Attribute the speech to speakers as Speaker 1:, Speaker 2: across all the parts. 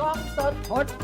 Speaker 1: กล้องสด
Speaker 2: พดบู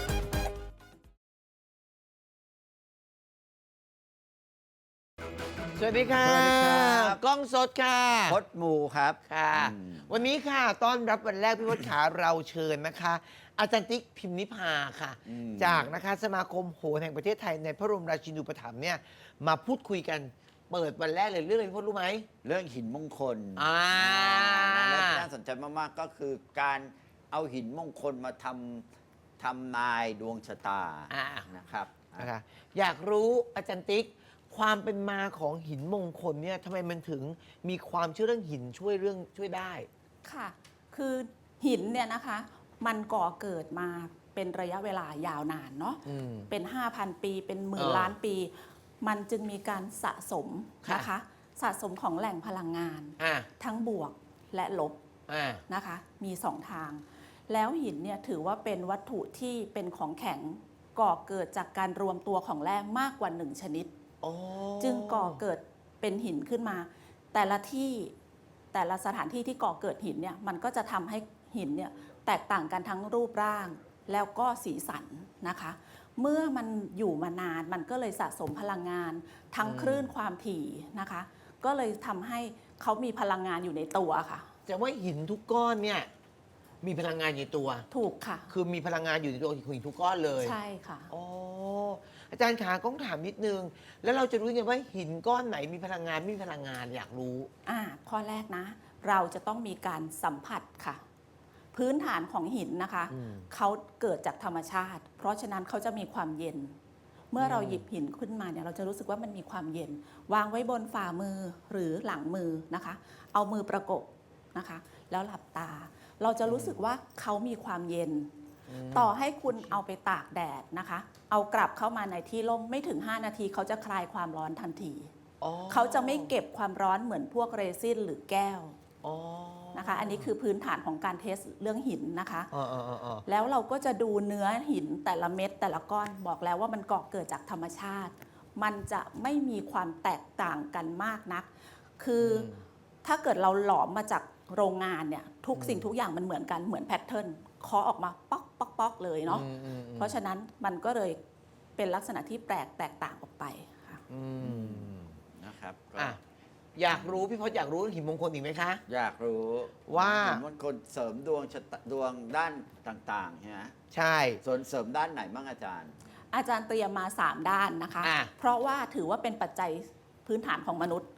Speaker 1: สวัสดีค่ะ
Speaker 2: สวัสดีครับ
Speaker 1: กล้องสดค่ะ
Speaker 2: พดบูครับ
Speaker 1: ค่ะ วันนี้ค่ะต้อนรับวันแรกพี่พศขาเราเชิญนะคะ อาจารย์ติ๊กพิมพ์นิพาค่ะ จากนะคะสมาคมโหนแห่งประเทศไทยในพระบรมราชินูปถัมภ์เนี่ยมาพูดคุยกันเปิดวันแรกเลยเรื่องอะไรพี่พศรู้ไหม
Speaker 2: เรื่องหินมงคล
Speaker 1: และ
Speaker 2: และที่น่าสนใจมากๆก็คือการเอาหินมงคลมาทำนายดวงชะตานะครับ
Speaker 1: นะคะอยากรู้อาจารย์ติ๊กความเป็นมาของหินมงคลเนี่ยทำไมมันถึงมีความเชื่อเรื่องหินช่วยได้
Speaker 3: ค่ะ คือหินเนี่ยนะคะ มันก่อเกิดมาเป็นระยะเวลายาวนานเนาะ เป็น 5,000 ปี เป็นหมื่นล้านปี มันจึงมีการสะสมนะคะ สะสมของแหล่งพลังงาน ทั้งบวกและลบนะคะ มีสองทาง แล้วหินเนี่ยถือว่าเป็นวัตถุที่เป็นของแข็งก่อเกิดจากการรวมตัวของแร่มากกว่า1ชนิด จึงก่อเกิดเป็นหินขึ้นมา แต่ละที่แต่ละสถานที่ที่ก่อเกิดหินเนี่ยมันก็จะทำให้หินเนี่ยแตกต่างกันทั้งรูปร่างแล้วก็สีสันนะคะ เมื่อมันอยู่มานานมันก็เลยสะสมพลังงานทั้งคลื่นความถี่นะคะ ก็เลยทำให้เขามีพลังงานอยู่ในตัวค่ะ
Speaker 1: แต่ว่าหินทุกก้อนเนี่ยมีพลังงานอยู่ในตัว
Speaker 3: ถูกค่ะ
Speaker 1: คือมีพลังงานอยู่ในตัวหินทุกก้อนเลย
Speaker 3: ใช่ค่ะ
Speaker 1: อ๋ออาจารย์ขาก้องถามนิดนึง แล้วเราจะรู้ไงว่าหินก้อนไหนมีพลังงานไม่มีพลังงานอยากรู้
Speaker 3: ข้อแรกนะ เราจะต้องมีการสัมผัสค่ะ พื้นฐานของหินนะคะเขาเกิดจากธรรมชาติ เพราะฉะนั้นเขาจะมีความเย็น เมื่อเราหยิบหินขึ้นมาเนี่ยเราจะรู้สึกว่ามันมีความเย็น วางไว้บนฝ่ามือหรือหลังมือนะคะ เอามือประกบนะคะ แล้วหลับตา เราจะรู้สึกว่าเขามีความเย็น ต่อให้คุณเอาไปตากแดดนะคะ เอากลับเข้ามาในที่ร่มไม่ถึง 5 นาทีเขาจะคลายความร้อนทันที เขาจะไม่เก็บความร้อนเหมือนพวกเรซินหรือแก้วนะคะ อันนี้คือพื้นฐานของการเทสเรื่องหินนะคะแล้วเราก็จะดูเนื้อหินแต่ละเม็ดแต่ละก้อนบอกแล้วว่ามันก่อเกิดจากธรรมชาติ มันจะไม่มีความแตกต่างกันมากนัก คือถ้าเกิดเราหลอมมาจากโรงงานเนี่ยทุกสิ่งทุกอย่างมันเหมือนกันเหมือนแพทเทิร์นเคาะออกมาป๊อกป๊อกป๊อกเลยเนาะเพราะฉะนั้นมันก็เลยเป็นลักษณะที่แปลกแตกต่างออกไปค่ะ
Speaker 2: นะครับ
Speaker 1: อยากรู้พี่พศอยากรู้หินมงคลอีกไหมคะ
Speaker 2: อยากรู้
Speaker 1: ว่า
Speaker 2: หินมงคลเสริมดวงดวงด้านต่างๆใช่ไหม
Speaker 1: ใช่
Speaker 2: ส่วนเสริมด้านไหนบ้างอาจารย์
Speaker 3: อาจารย์เตรียมมา 3 ด้านนะคะ เพราะว่าถือว่าเป็นปัจจัยพื้นฐานของมนุษย์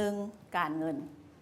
Speaker 3: 1. การเงิน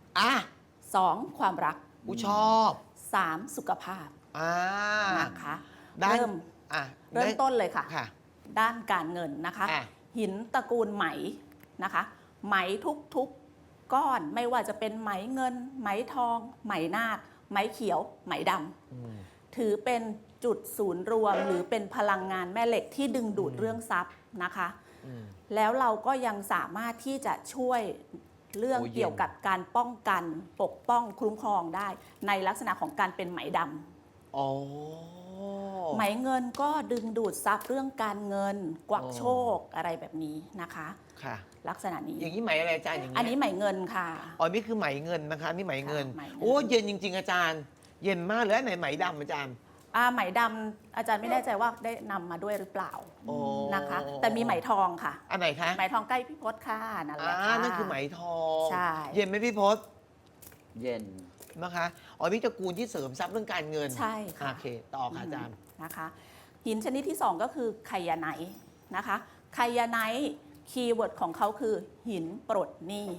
Speaker 3: 2. ความรัก
Speaker 1: ชอบ
Speaker 3: 3. สุขภาพนะคะเริ่มต้นเลยค่ะ ด้านการเงินนะคะ หินตระกูลไหมนะคะ ไหมทุกก้อนไม่ว่าจะเป็นไหมเงิน ไหมทอง ไหมนาคไหมเขียว ไหมดำถือเป็นจุดศูนย์รวมหรือเป็นพลังงานแม่เหล็กที่ดึงดูดเรื่องทรัพย์นะคะแล้วเราก็ยังสามารถที่จะช่วยเรื่องเกี่ยวกับการป้องกันปกป้องคุ้มครองได้ในลักษณะของการเป็นไหมดำไหมเงินก็ดึงดูดทรัพย์เรื่องการเงินกวักโชคอะไรแบบนี้นะคะลักษณะนี้
Speaker 1: อย่างนี้ไหมอะไรอาจารย์อย่างนี้
Speaker 3: อันนี้ไหมเงินค่ะ
Speaker 1: นี่คือไหมเงินนะคะนี่ไหมเงินโอ้เย็นจริงๆอาจารย์เย็นมากเลยไหนไหมดำอาจารย์
Speaker 3: ไหมดำอาจารย์ไม่แน่ใจว่าได้นำมาด้วยหรือเปล่านะคะแต่มีไหมทองค่ะ
Speaker 1: อันไหนคะ
Speaker 3: ไหมทองใกล้พี่พศค่ะนั่นแหละค่ะ
Speaker 1: นั่นคือไหมทอง
Speaker 3: ใช่
Speaker 1: เย็นไหมพี่พศ
Speaker 2: เย็น
Speaker 1: นะคะพี่ตระกูลที่เสริมทรัพย์เรื่องการเงิน
Speaker 3: ใช่ค่ะ
Speaker 1: โอเคต่อค่ะอาจารย์
Speaker 3: นะคะหินชนิดที่2ก็คือไคยาไนท์นะคะไคยาไนท์คีย์เวิร์ดของเขาคือหินปลดหนี้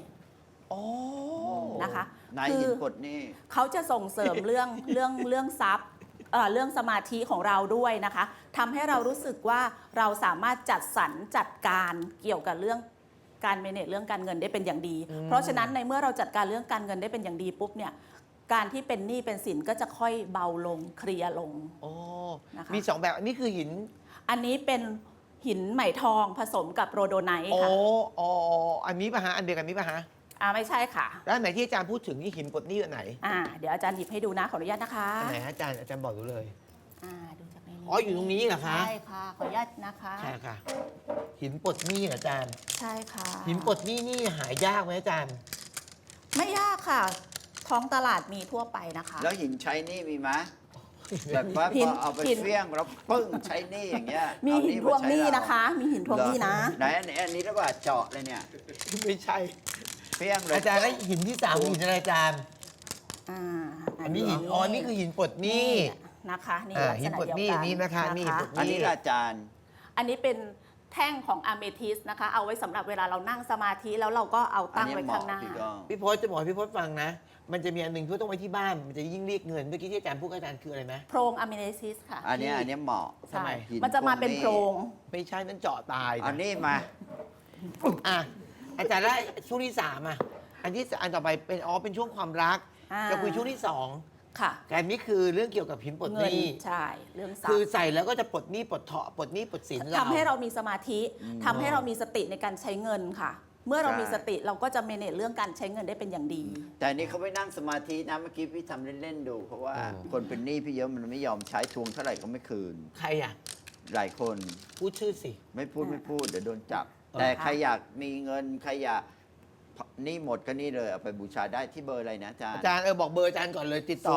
Speaker 3: นะคะ
Speaker 2: หินปลดหนี้
Speaker 3: เขาจะส่งเสริมเรื่องทรัพย์เรื่องสมาธิของเราด้วยนะคะทำให้เรารู้สึกว่าเราสามารถจัดสรรจัดการเกี่ยวกับเรื่องการเมเนจเรื่องการเงินได้เป็นอย่างดีเพราะฉะนั้นในเมื่อเราจัดการเรื่องการเงินได้เป็นอย่างดีปุ๊บเนี่ยการที่เป็นหนี้เป็นสินก็จะค่อยเบาลงเคลียร์ลง
Speaker 1: นะคะมี2แบบอันนี้คือหิน
Speaker 3: อันนี้เป็นหินไหมทองผสมกับโรโดไนท์ค่ะ
Speaker 1: อันนี้ป่ะฮะอันเดียวกันนี้ป่ะฮะ
Speaker 3: ไม่ใช่ค่ะ
Speaker 1: แล้วไหนที่อาจารย์พูดถึงนี่หินปลดหนี้อันไหน
Speaker 3: เดี๋ยวอาจารย์หยิบให้ดูนะขออนุญาตนะคะ
Speaker 1: อันไหนอาจารย์บอกดูเลย
Speaker 3: ดูจากในนี้
Speaker 1: อยู่ตรงนี้เหรอคะ
Speaker 3: ใช่ค่ะขออนุญาตนะคะ
Speaker 1: ใช่ค่ะหินปลดหนี้อาจารย์
Speaker 3: ใช่ค่ะ
Speaker 1: หินปลดหนี้นี่หายากไหมอาจารย์
Speaker 3: ไม่ยากค่ะท้องตลาดมีทั่วไปนะคะ
Speaker 2: แล้วหินใช้หนี้มีไหมแบบว่า
Speaker 3: หิ
Speaker 2: พ
Speaker 3: น
Speaker 2: อเอาไป
Speaker 3: หิน
Speaker 2: เฟี้ยงแล้วปึ้งใช้หนี่อย่างเงี้ย
Speaker 3: มี
Speaker 2: เอา
Speaker 3: หินทวงหนี้
Speaker 2: มาใช้เรา
Speaker 3: นะคะ มีหินทวงหนี้นะ
Speaker 2: ไหนอันนี้แล้วว่าเจาะเลยเนี่ย
Speaker 1: ไม่ใช่
Speaker 2: เฟี้ยงเลย
Speaker 1: อาจารย์แล้วหินที่สามหินอะไรอาจารย์
Speaker 3: อ่า
Speaker 1: อันนี้หินอ๋อนี่คือหินปลดหนี้
Speaker 3: นะคะนี่
Speaker 1: อ่า
Speaker 3: ลัก
Speaker 1: หิ
Speaker 3: ษ
Speaker 1: น
Speaker 3: ณะ
Speaker 1: ปลด
Speaker 3: เดียว
Speaker 1: หนี้
Speaker 3: กัน
Speaker 1: นี่นะคะนี่หินปลดห
Speaker 2: อันนี้ละอาจารย์
Speaker 3: อันนี้เป็นแท่งของอะเมทิสนะคะ เอาไว้สำหรับเวลาเรานั่งสมาธิแล้วเราก็เอาตั้งไว้ข้างหน้า
Speaker 2: อันนี้เหมาะ
Speaker 1: พี่พศจะบอกให้พี่พศฟังนะ มันจะมีอันหนึ่งที่ต้องไว้ที่บ้าน มันจะยิ่งเรียกเงิน เมื่อกี้ที่อาจารย์พูดกับอาจารย์คืออะไรนะ
Speaker 3: โพรงอะเมทิสค่ะ
Speaker 2: อันนี้เหมาะ
Speaker 1: ทำไม
Speaker 3: ใช่มันจะมาเป็นโพรง
Speaker 1: ไม่ใช่นั่นเจาะตายนะ
Speaker 2: อันนี้มา
Speaker 1: อ่ะอาจารย์แล้วช่วงที่สามอ่ะอันต่อไปเป็นเป็นช่วงความรัก
Speaker 3: อ่า
Speaker 1: จะคุยช่วงที่สอง
Speaker 3: ค่ะ
Speaker 1: แต่อันนี้คือเรื่องเกี่ยวกับหินปลดห
Speaker 3: เงิน
Speaker 1: นี้
Speaker 3: ใช่เรื่องทรัพ
Speaker 1: คือ
Speaker 3: ย์
Speaker 1: ใส่แล้วก็จะปลดหนี้ปลดเถาะปลดหนี้ปลดสิน
Speaker 3: ทำให้เรามีสมาธิทำให้เรามีสติในการใช้เงินค่ะ เมื่อเรา
Speaker 2: ใช่
Speaker 3: มีสติเราก็จะเมเนจเรื่องการใช้เงินได้เป็นอย่างดี
Speaker 2: แต่อันนี้เขาไม่นั่งสมาธินะเมื่อกี้พี่ทำเล่นๆดู เพราะว่าคนเป็นหนี้พี่เยอะมันไม่ยอมใช้ทวงเท่าไหร่ก็ไม่คืน
Speaker 1: ใครอ่ะ
Speaker 2: หลายคน
Speaker 1: พูดชื่อสิ
Speaker 2: ไม่พูดเดี๋ยวโดนจับ
Speaker 1: เออ
Speaker 2: แต่ใครอยากมีเงินใครอยากหนี่หมดก็นี่เลยเอาไปบูชาได้ที่เบอร์อะไรนะอาจารย์
Speaker 1: อาจารย์บอกเบอร์อาจารย์ก่อนเลยติดต่อ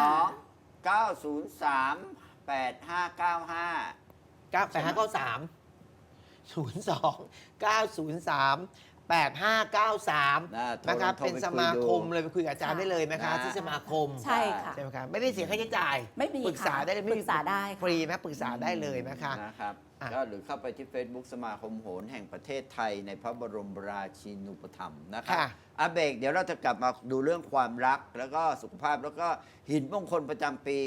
Speaker 2: 02-903-8595
Speaker 1: 98593 นะครับ
Speaker 2: โทร
Speaker 1: เป็น
Speaker 2: ไป
Speaker 1: ส
Speaker 2: คุย
Speaker 1: มา
Speaker 2: ดู
Speaker 1: คมเลยไปคุยกับอาจารย์ได้เลยนะคะ ที่สมาคม
Speaker 3: ใช่ค่ะ
Speaker 1: ใช่ไหมครับไม่ได้เสียค่าใช้จ่าย
Speaker 3: ไม่มี
Speaker 1: ปรึกษา
Speaker 3: ค่ะ
Speaker 1: ได้เลย
Speaker 3: ปรึกษาได้ค่ะ
Speaker 1: ฟรีนะปรึกษาได้เลยนะคะ
Speaker 2: นะครับ
Speaker 1: อ่ะ
Speaker 2: ก็หรือเข้าไปที่ Facebook สมาคมโหรแห่งประเทศไทยในพระบรมราชินูปถัมภ์นะครับ
Speaker 1: ค่ะ
Speaker 2: อาเบกเดี๋ยวเราจะกลับมาดูเรื่องความรักแล้วก็สุขภาพแล้วก็หินมงคลประจำปี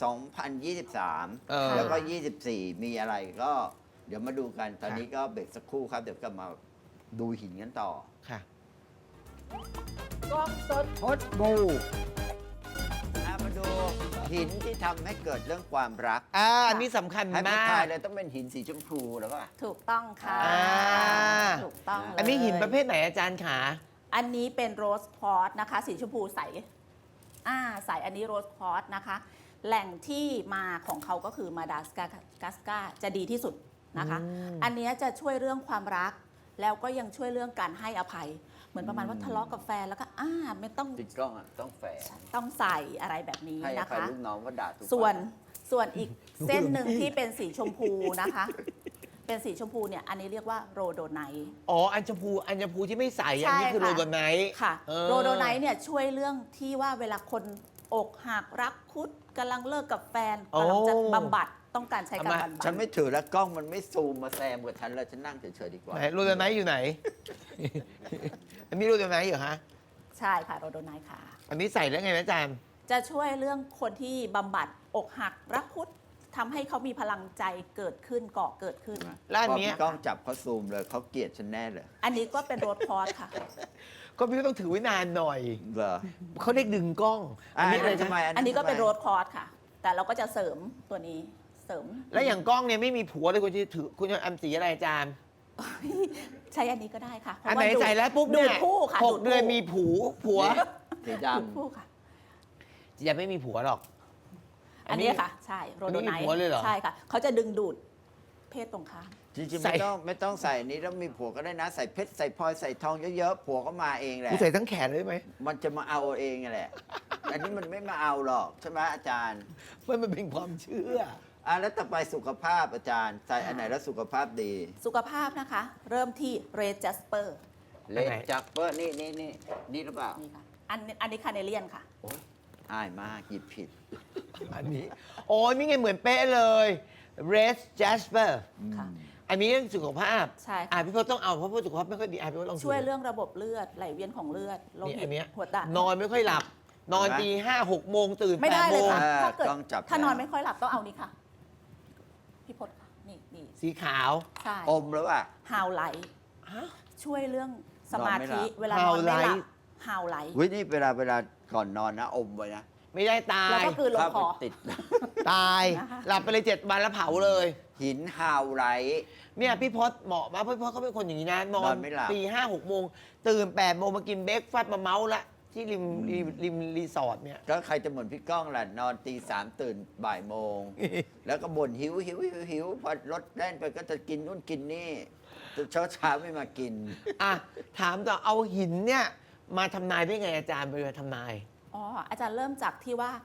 Speaker 2: 2023 แล้วก็ 24 มีอะไรก็เดี๋ยวมาดูกัน ตอนนี้ก็เบรกสักครู่ครับ เดี๋ยวกลับมาดูหินกันต่อ
Speaker 1: ค่ะ
Speaker 2: กล้องสดพดบูมาดูหินที่ทำให้เกิดเรื่องความรัก
Speaker 1: อันนี้สำคัญ
Speaker 2: ให้ผู้
Speaker 1: มา
Speaker 2: ชาย
Speaker 1: ก
Speaker 2: เลยต้องเป็นหินสีชมพูแล้วก็
Speaker 3: ถูกต้องค่ะ
Speaker 1: อ่า
Speaker 3: ถูกต้องเลย
Speaker 1: อันนี้หินประเภทไหนอาจารย์ขา
Speaker 3: อันนี้เป็นโรสคอร์สนะคะ สีชมพูใสใสอันนี้โรสคอร์สนะคะ แหล่งที่มาของเขาก็คือมาดากัสการ์จะดีที่สุดนะคะ อันเนี้ยจะช่วยเรื่องความรัก แล้วก็ยังช่วยเรื่องการให้อภัย เหมือนประมาณว่าทะเลาะกับแฟนแล้วก็ไม่ต้อง
Speaker 2: ติดกล้องอ่ะต้องแฝง
Speaker 3: ต้องใส่อะไรแบบนี้
Speaker 2: ให้อ
Speaker 3: นะ
Speaker 2: ภัย
Speaker 3: คะ
Speaker 2: ลูกน้องว่าด่าทุก
Speaker 3: ส่วนอีกเส้นหนึ่งที่เป็นสีชมพูนะคะ เป็นสีชมพูเนี่ยอันนี้เรียกว่าโรโดไนท์
Speaker 1: อัญชมพูที่ไม่ใสอันนี้คือโรโดไนท์
Speaker 3: ค่ะ
Speaker 1: เออ
Speaker 3: โรโดไนท์เนี่ยช่วยเรื่องที่ว่าเวลาคนอกหักรักคุดกำลังเลิกกับแฟนกำลังจะบำบัดต้องการใช้การบำบัด
Speaker 2: ฉันไม่ถือแล้วกล้องมันไม่ซูมมาแซมกับฉันแล้วฉันนั่งเฉยๆดีกว่า
Speaker 1: ไหนโรโดไนท์อยู่ไหน อันนี้โรโดไนท์เหรอฮะ
Speaker 3: ใช่ค่ะโรโดไนท์ค่ะ
Speaker 1: อันนี้ใส่แล้วไงนะอาจารย์
Speaker 3: จะช่วยเรื่องคนที่บำบัดอกหักรักคุดทำให้เขามีพลังใจเกิดขึ้นเกาะเกิดขึ้น
Speaker 1: แล้วอัน
Speaker 2: พอ
Speaker 1: เนี้ย
Speaker 2: พี่กล้องจับเขาซูมเลยเขาเกลียดฉันแน่เลย
Speaker 3: อันนี้ก็เป็นโรสคอร์สค่ะ
Speaker 1: ก็พี่ก็ต้องถือไว้นานหน่อย
Speaker 2: เหรอ
Speaker 1: เขาเรียกดึงกล้อง
Speaker 2: อันนี้
Speaker 1: อะไร
Speaker 2: ทำไม
Speaker 1: นะ
Speaker 3: อันนี้ก็เป็น
Speaker 2: ทำไม
Speaker 3: โรสคอร์สค่ะ แต่เราก็จะเสริมตัวนี้เสริม
Speaker 1: แล้วอย่างกล้องเนี่ยไม่มีผัวเลยคุณจะถือคุณจะอันสีอะไรอาจารย์
Speaker 3: ใช้อันนี้ก็ได้ค่ะเพ
Speaker 1: อัน
Speaker 3: ราะ
Speaker 1: ไหน
Speaker 3: ว่า
Speaker 1: ใส่แล้วปุ๊บ
Speaker 3: ดู
Speaker 1: เนี่
Speaker 3: ด
Speaker 1: ย
Speaker 3: ผู้ค่ะ
Speaker 1: หกเดือนมีผัว
Speaker 2: สีด
Speaker 3: ดูดผู้ค่ะ
Speaker 1: จะไม่มีผัวหรอก
Speaker 3: อันนี้ค่ะ ใช่โรโดไน
Speaker 1: ไม่มี
Speaker 3: ท์
Speaker 1: ผัวเลยเหรอ
Speaker 3: ใช่ค่ะ เขาจะดึงดูดเพศตรงข้าม
Speaker 2: ำจริงๆ
Speaker 1: ใส่
Speaker 2: ไม่ต้องใส่อันนี้แล้วมีผัวก็ได้นะ ใส่เพชรใส่พลอยใส่ทองเยอะๆผัวก็มาเองแหละ
Speaker 1: กูใส่ทั้งแขนเลยไหม
Speaker 2: มันจะมาเอาเองแหละ อันนี้มันไม่มาเอาหรอกใช่ไหมอาจารย์
Speaker 1: มันเป็นความเชื่อ
Speaker 2: แล้วต่อไปสุขภาพอาจารย์ ใส่อันไหนแล้วสุขภาพดี
Speaker 3: สุขภาพนะคะ เริ่มที่เรดจัสเปอร์
Speaker 2: เลดจักเปอร์นี่หรือเปล่า
Speaker 3: นี่ค่ะอันนี้คาเนเลียนค่ะ
Speaker 2: อายมากหยิบผิด
Speaker 1: อันนี้โอ้ยนี่ไงเหมือนเป๊ะเลย Red Jasper
Speaker 3: ค่ะ
Speaker 1: อันนี้เรื่องสุขภาพ
Speaker 3: ใช่ค่ะ
Speaker 1: พี่พจน์ต้องเอาเพราะว่าสุขภาพไม่ค่อยดีพี่พจน์ลองดู
Speaker 3: ช่วยเรื่องระบบเลือดไหลเวียนของเลือดโล
Speaker 1: นี่
Speaker 3: หิ
Speaker 1: อั
Speaker 3: ต
Speaker 1: นเนี้ย
Speaker 3: หัวใจ
Speaker 1: นอนไม่ค่อยหลับ นอน
Speaker 2: เห็นไหม
Speaker 1: ตี5-6 โมงตื่น
Speaker 3: ไม่ได้
Speaker 1: 8
Speaker 3: เล
Speaker 1: โม
Speaker 3: ย
Speaker 1: ง
Speaker 3: ค่ะ ถ้าเกิด
Speaker 2: ต้องจับ
Speaker 3: ถ้านอน
Speaker 2: แล้ว
Speaker 3: ไม่ค่อยหลับต้องเอานี่ค่ะ พี่พศค่ะ นี่
Speaker 1: สีขาว
Speaker 3: ใช่
Speaker 2: อมหรือเปล่า
Speaker 3: ฮาวไลท์
Speaker 1: ฮะ
Speaker 3: ช่วยเรื่องสมาธิ
Speaker 2: นอนไม่หลับ
Speaker 3: เวลานอนไม่หลับ
Speaker 1: Howlite
Speaker 3: ฮาวไลท์
Speaker 2: วินี่เวลาก่อนนอนนะ อมไว้นะ
Speaker 1: ไม่ได้ตา
Speaker 3: แล้ว
Speaker 1: ย
Speaker 3: ก็คือลง
Speaker 2: ถ้า
Speaker 3: คอ
Speaker 2: มันติด
Speaker 1: ตาย
Speaker 3: นะคะ
Speaker 1: หลับไปเลย7 วันแล้วเผาเลย
Speaker 2: หินฮาวไรท์
Speaker 1: เนี่ยพี่พศเหมาะมากเพราะพี่พศเขาเป็นคนอย่างนี้นะ นอน
Speaker 2: นอนไม่หลับ
Speaker 1: ตี5-6 โมง ตื่น8 โมงมากินเบรกฟาสต์มาเมาส์ละที่ริมรีสอร์ทเนี่ย
Speaker 2: ก็ใครจะเหมือนพี่ก้องล่ะ นอนตีสามตื่นบ่ายโมง แล้วก็บ่นหิวพอรถแล่นไปก็จะกินนู่นกินนี่เช้าไม่มากิน
Speaker 1: อ่ะ ถามต่อเอาหินเนี่ย มาทำนายได้ไงอาจารย์ไปทำนาย
Speaker 3: อ๋ออาจารย์เริ่มจากที่ว่า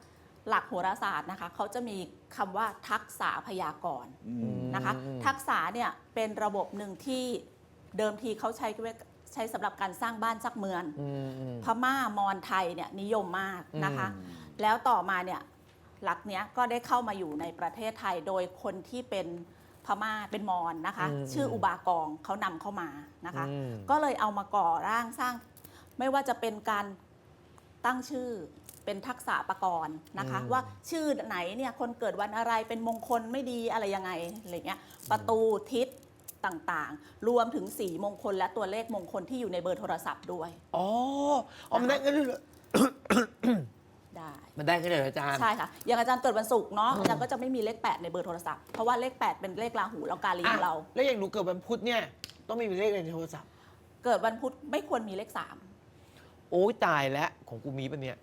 Speaker 3: หลักโหราศาสตร์นะคะเขาจะมีคำว่าทักษะพยากรณ์นะคะ ทักษะเนี่ยเป็นระบบหนึ่งที่เดิมทีเขาใช้สำหรับการสร้างบ้านสร้างเมือง พม่ามอญไทยเนี่ยนิยมมากนะคะ แล้วต่อมาเนี่ยหลักเนี้ยก็ได้เข้ามาอยู่ในประเทศไทยโดยคนที่เป็นพม่าเป็นมอญนะคะ ชื่ออุบากองเขานำเข้ามานะคะ ก็เลยเอามาก่อร่างสร้างไม่ว่าจะเป็นการตั้งชื่อเป็นทักษะประกรณ์นะคะ ว่าชื่อไหนเนี่ยคนเกิดวันอะไรเป็นมงคลไม่ดีอะไรยังไงอะไรเงี้ยประตูทิศต่างๆ รวมถึงสีมงคลและตัวเลขมงคลที่อยู่ในเบอร์โทรศัพท์ด้วย
Speaker 1: อ๋อมันได้กันเลยเหรอ
Speaker 3: ได้
Speaker 1: มันได้กันเลยเหรออาจารย์
Speaker 3: ใช่ค่ะอย่างอาจารย์เกิดวันศุกร์เนาะอาจารย์ก็จะไม่มีเลข 8 ในเบอร์โทรศัพท์เพราะว่าเลข 8 เป็นเลขราหูแล้วกาลีของเรา
Speaker 1: แล้วอย่างหนูเกิดวันพุธเนี่ยต้องมีเลขในโทรศัพท์
Speaker 3: เกิดวันพุธไม่ควรมีเลข
Speaker 1: โอ้ยตายแล้วของกูมีปะเนี่ย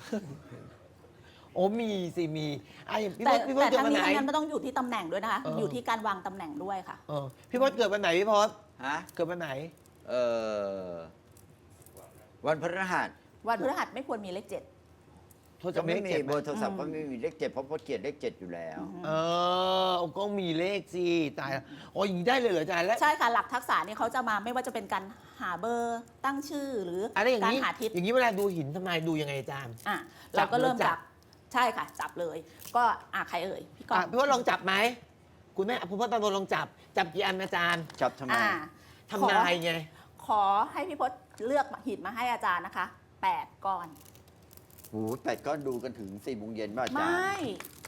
Speaker 1: โอ้มีสิมีอย่างพี่
Speaker 3: 3
Speaker 1: พ
Speaker 3: แต่
Speaker 1: ศพี่พศ
Speaker 3: แต่
Speaker 1: เกิด
Speaker 3: ทั้ง
Speaker 1: วัน
Speaker 3: นี้
Speaker 1: ไหน
Speaker 3: ทั้งนั้นมันต้องอยู่ที่ตำแหน่งด้วยนะคะ
Speaker 1: เออ
Speaker 3: อยู่ที่การวางตำแหน่งด้วยค่ะ
Speaker 1: พี่พศเกิดวันไหนพี่พศ
Speaker 2: ฮะ
Speaker 1: เกิดวันไหน
Speaker 2: เออวันพฤหัส
Speaker 3: วันพฤหัสไม่ควรมีเลข 7
Speaker 1: โทรศั
Speaker 2: ก็
Speaker 1: พท์
Speaker 2: ไม่
Speaker 1: เลข
Speaker 2: มี
Speaker 1: เจ็ดไห
Speaker 2: เบอร์โทรศัพท์ก็ไม่มีเลข 7เพราะพจน์เกียรติเลข 7อยู่แล้ว
Speaker 1: ก็มีเลขสิตายแล้วโอ้ยอย่างนี้ได้เลยเหรออาจารย์แล้ว
Speaker 3: ใช่ค่ะหลักทักษะนี่เขาจะมาไม่ว่าจะเป็นการหาเบอร์ตั้งชื่อหรือ
Speaker 1: อะไรอย่าง
Speaker 3: การ
Speaker 1: นี้
Speaker 3: หาทิศ
Speaker 1: อย่างนี้เวลาดูหินทำไมดูยังไงอาจารย์
Speaker 3: อ่ะ
Speaker 1: จั
Speaker 3: เรา
Speaker 1: บ
Speaker 3: ก็เริ่ม
Speaker 1: หรือจั
Speaker 3: จาก บใช่ค่ะ จับเลย ก็ใครเอ่ยพี่กรณ์
Speaker 1: พี่พศลองจับไหมคุณแม่คุณพ่อตาโดนลองจับกี่อันอาจารย์
Speaker 2: จับทำไม
Speaker 1: ทำนายไง
Speaker 3: ขอให้พี่พศเลือกหินมาให้อาจารย์นะคะ 8 ก้อน
Speaker 2: โอ้โห8ก้อนดูกันถึง4 โมงเย็นป่ะอา
Speaker 3: ไม
Speaker 2: จารย์
Speaker 3: ่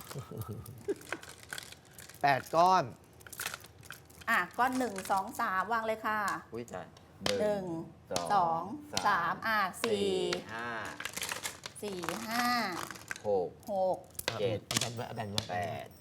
Speaker 1: 8 ก้อน
Speaker 3: ก้อน1 2 3 วางเลยค่ะ
Speaker 2: อุ้ยจ้ะ
Speaker 3: 1 2 3 4
Speaker 2: 5
Speaker 3: 5
Speaker 2: 6
Speaker 3: 6
Speaker 2: เจ็ด
Speaker 1: อาจารย์ว่าอาจารย์ว่า
Speaker 2: 8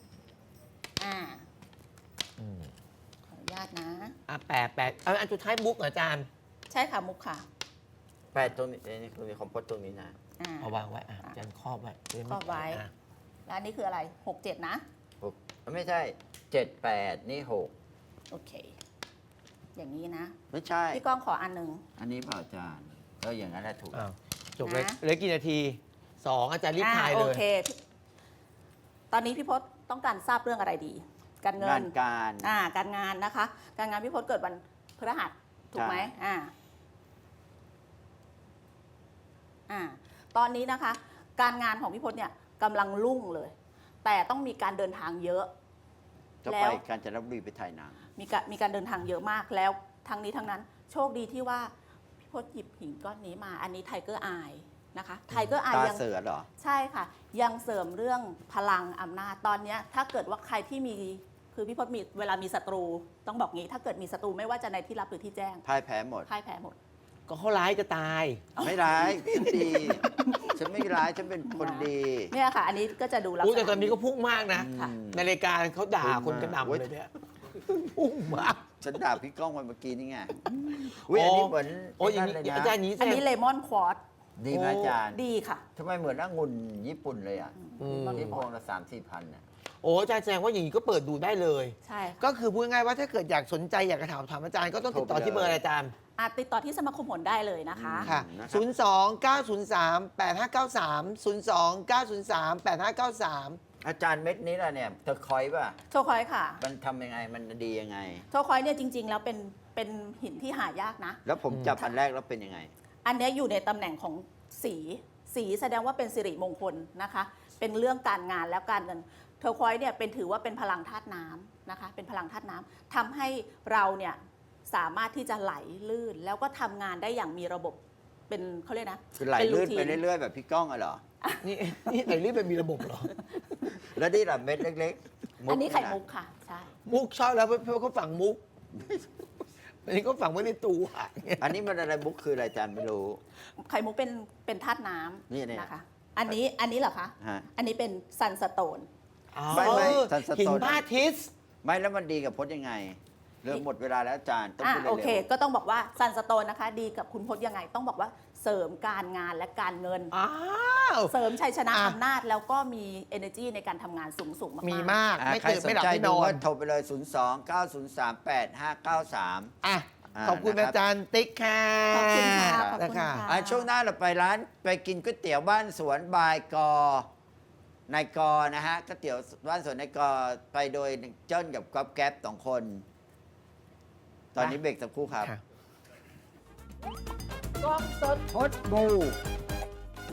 Speaker 3: ขออนุญาตนะ
Speaker 1: 8อันสุดท้ายบุ๊กเหรออาจารย์
Speaker 3: ใช่ค่ะมุกค่ะ
Speaker 2: 8ตรงนี้นี่คือคอมโพสต์ตรงนี้นะ
Speaker 1: เอาวางไว้อาจารย์ครอบไว้จะด้ม่
Speaker 3: ครอบไว้
Speaker 1: อ่ะ
Speaker 3: แล้วอันนี้คืออะไร 6 7 นะ
Speaker 2: 6ไม่ใช่ 7 8 นี่
Speaker 3: โอเค อย่างนี้นะ
Speaker 2: 6 ไม่ใช่
Speaker 3: พี่ก้องขออันหนึ่ง
Speaker 2: อันนี้เปล่าอาจารย์อย่างนั้นแหละถูก
Speaker 1: อ้าวจบเลย
Speaker 3: นะ
Speaker 1: เหลือกี่นาที 2 อาจารย์รีบทายเล
Speaker 3: โอย เค ตอนนี้พี่พศต้องการทราบเรื่องอะไรดี การเงิ
Speaker 2: งาน นการ
Speaker 3: การงานนะคะ การงานพี่พศเกิดวันพฤหัสถูกไหม
Speaker 2: ใช่
Speaker 3: ตอนนี้นะคะ การงานของพี่พศเนี่ยกำลังรุ่งเลย แต่ต้องมีการเดินทางเยอะ
Speaker 2: จะ
Speaker 3: แล้
Speaker 2: ไป
Speaker 3: ว
Speaker 2: กาญจนบุรีไปถ่ายหนัง
Speaker 3: มีการเดินทางเยอะมากแล้วทั้งนี้ทั้งนั้น โชคดีที่ว่าพี่พศหยิบหินก้อนนี้มา อันนี้ไทเกอร์อายนะคะไทเกอร์อาย
Speaker 2: ตา
Speaker 3: ยัง
Speaker 2: เสือเหรอ
Speaker 3: ใช่ค่ะ ยังเสริมเรื่องพลังอำนาจตอนเนี้ยถ้าเกิดว่าใครที่มีคือพี่พศมีเวลามีศัตรูต้องบอกงี้ ถ้าเกิดมีศัตรูไม่ว่าจะในที่ลับหรือที่แจ้ง
Speaker 2: พ่ายแพ้หมด
Speaker 3: พ่ายแพ้หมด
Speaker 1: ก็เขาร้ายจะตาย
Speaker 2: ไม่ร้ายฉันดี ฉันไม่ร้าย ฉันเป็นคนดี
Speaker 3: เนี่ยค่ะ อันนี้ก็จะดูลักษ
Speaker 1: อู้
Speaker 3: ณะ
Speaker 1: แต่ตอนนี้ก็พุ่งมากนะ
Speaker 3: ค่ะ
Speaker 1: ในรายการเขาด่าคนกระหน่ำ
Speaker 2: โอ้ย
Speaker 1: เลยเนี่ยพุ่งมาก
Speaker 2: ฉันด่าพี่ก้องวันเมื่อกี้นี่ไงอุ้ยอันนี้เหมือน
Speaker 1: โอ้ยอย่าง
Speaker 2: นั่น
Speaker 1: นี้
Speaker 2: เลย
Speaker 1: อา
Speaker 2: นะ
Speaker 1: จารย์นี้แส
Speaker 3: อัน
Speaker 1: ดง
Speaker 3: นี้เลมอนควอต
Speaker 2: ดีไหมอาจารย์
Speaker 3: ดีค่ะ
Speaker 2: ทำไมเหมือนองุ่นญี่ปุ่นเลยอ่ะ
Speaker 3: เลมอน
Speaker 2: ที่
Speaker 3: ค
Speaker 2: พ
Speaker 3: ว
Speaker 2: ว
Speaker 3: อง ต
Speaker 2: ละ3-4 พันน่ะ
Speaker 1: โอ้อาจารย์แสดงว่าอย่างนี้ก็เปิดดูได้เลย
Speaker 3: ใช่ค่ะ
Speaker 1: ก็คือพูดง่ายๆว่าถ้าเกิดอยากสนใจอยากจะถามอาจารย์ก็ต้องติดต่อที่เบอร์อะไรอาจารย์
Speaker 3: ติดต่อที่สมาคมผลได้เลยนะคะ
Speaker 1: ค่ะ
Speaker 2: นะครับ
Speaker 1: 02-903-8593
Speaker 2: อาจารย์เม็ดนี้แหละเนี่ยเธอคอยป่ะ
Speaker 3: โชคอยค่ะ
Speaker 2: มันทำยังไง มันดียังไง
Speaker 3: โชคอยเนี่ยจริง ๆ แล้วเป็นหินที่หายากนะ
Speaker 2: แล้วผมจับอันแรกแล้วเป็นยังไง
Speaker 3: อันเนี้ยอยู่ในตำแหน่งของสีแสดงว่าเป็นสิริมงคลนะคะ เป็นเรื่องการงานแล้วการเงินเทอร์ควอยซ์เนี่ยถือว่าเป็นพลังธาตุน้ำนะคะ เป็นพลังธาตุน้ำทำให้เราเนี่ยสามารถที่จะไหลลื่น แล้วก็ทำงานได้อย่างมีระบบเป็นเขาเรียกนะ
Speaker 2: คือไหลลื่นไป
Speaker 3: ป็
Speaker 2: เรื่อยๆแบบพี่ก้องอะเหรอ
Speaker 1: นี่ไหนรีบไปมีระบบเหรอ
Speaker 2: แล้วนี่ล่ะเม็ดเล็กๆ
Speaker 3: อันนี้ไข่
Speaker 2: ะ
Speaker 3: มุกค่ะ ใช่
Speaker 1: มุกชอบแล้วเพราะเขาฝังมุก อันนี้ก็ฝังไว้ในตัว
Speaker 2: อันนี้มันอะไรมุกคืออะไรอาจารย์ไม่รู้
Speaker 3: ไข่มุกเป็นธาตุน้ำ
Speaker 2: นี่เนี่ย
Speaker 3: นะคะ อันนี้เหรอคะ
Speaker 2: ฮะ
Speaker 3: อันนี้เป็นซันสโตน
Speaker 2: ไม่
Speaker 1: ทันสหินพระอาทิตย์
Speaker 2: ไม่แล้วมันดีกับพจน์ยังไง เริ่มหมดเวลาแล้วอาจารย์ต้องพูดเร็ว
Speaker 3: โอเค ก็ต้องบอกว่าซันสโตนนะคะ ดีกับคุณพจน์ยังไง ต้องบอกว่าเสริมการงานและการเงิน
Speaker 1: อ้าว
Speaker 3: เสริมชัยชนะ
Speaker 1: อ่ะ
Speaker 3: อำนาจแล้วก็มี energy ในการทำงานสูงๆมากๆ
Speaker 1: มีมาก ไม่
Speaker 2: ใคร
Speaker 1: ตื่น
Speaker 2: สน
Speaker 1: ไม่หลับ
Speaker 2: ใจ
Speaker 1: ไม่น
Speaker 2: ดู
Speaker 1: อน
Speaker 2: ว่าโทรไปเลย 02-903-8593
Speaker 1: อ่ะขอบคุณ
Speaker 2: นะครับ
Speaker 1: อาจารย์ติ๊กค่ะ
Speaker 3: ขอบคุณค่ะขอบคุณ
Speaker 1: นะคะ
Speaker 3: ค่ะ
Speaker 2: ช่วงหน้าเราไปร้านไปกินก๋วยเตี๋ยวบ้านสวนบายกอนายกนะฮะก๋วยเตี๋ยวบ้านสวนนายกไปโดยเจิ้นกับก๊อฟแก๊ป2 คน ตอนนี้เบรกสักครู่ครับ
Speaker 1: ค่ะ
Speaker 2: กล้องสดพดบู